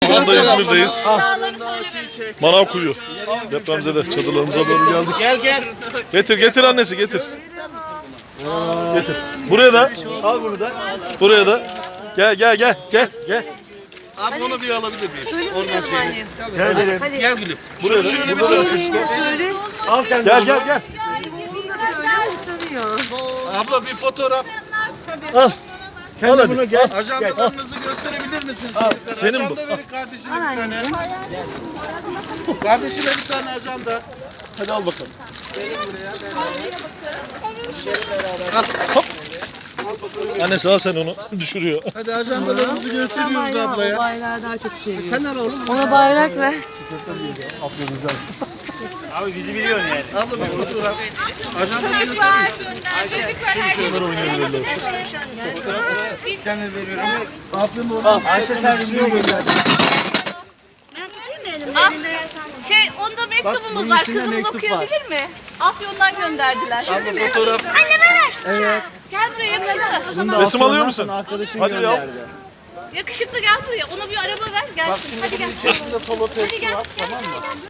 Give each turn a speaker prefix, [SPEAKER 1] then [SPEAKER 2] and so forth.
[SPEAKER 1] Şu anda İzmir'deyiz.
[SPEAKER 2] Dağları söylemedim.
[SPEAKER 1] Manavkuyu. Depremzede çadırlarımıza doğru geldik.
[SPEAKER 3] Gel.
[SPEAKER 1] Getir annesi getir. Getir. Buraya da.
[SPEAKER 3] Al bunu da.
[SPEAKER 1] Buraya da. Gel.
[SPEAKER 3] Abi onu bir alabilir miyiz? Oradan
[SPEAKER 2] Anne.
[SPEAKER 3] Gel gülüm.
[SPEAKER 1] Buraya da.
[SPEAKER 3] Şöyle bir
[SPEAKER 1] Buraya da.
[SPEAKER 3] tut.
[SPEAKER 2] Söyle.
[SPEAKER 3] Al kendini.
[SPEAKER 1] Gel.
[SPEAKER 2] Utanıyor.
[SPEAKER 3] Abla bir fotoğraf.
[SPEAKER 1] Al. Al hadi.
[SPEAKER 3] Gel. Ajandalarınızı gösterebilir misiniz? çocuklar?
[SPEAKER 1] Senin bu.
[SPEAKER 3] Ajanda verin kardeşine bir tane. Kardeşine bir tane ajanda.
[SPEAKER 1] Hadi al bakalım.
[SPEAKER 3] Al. Hop.
[SPEAKER 1] Annesi al sen onu. Düşürüyor.
[SPEAKER 3] Hadi ajandalarımızı gösteriyoruz ablaya.
[SPEAKER 2] Bayrağı daha çok seviyor.
[SPEAKER 3] Sen al oğlum.
[SPEAKER 2] Ona bayrak ver.
[SPEAKER 4] Abi bizi biliyorsun yani.
[SPEAKER 3] Abla bir fotoğraf. Ajandaları gösteriyoruz. Aferin oğlum.
[SPEAKER 4] Ayşe sen şimdi göster.
[SPEAKER 2] Onda mektubumuz var. Kızımız okuyabilir mi? Afyon'dan gönderdiler.
[SPEAKER 3] Abla fotoğraf.
[SPEAKER 2] Anne ver. Evet. Gel buraya yakışıklı.
[SPEAKER 1] Resim alıyor musun?
[SPEAKER 4] Arkadaşım
[SPEAKER 1] Hadi ya.
[SPEAKER 4] gönderdi.
[SPEAKER 2] Yakışıklı gel buraya. Ona bir araba ver gelsin. Hadi gel.
[SPEAKER 3] İçerisinde solo
[SPEAKER 2] Hadi gel.
[SPEAKER 3] var. Tamam mı?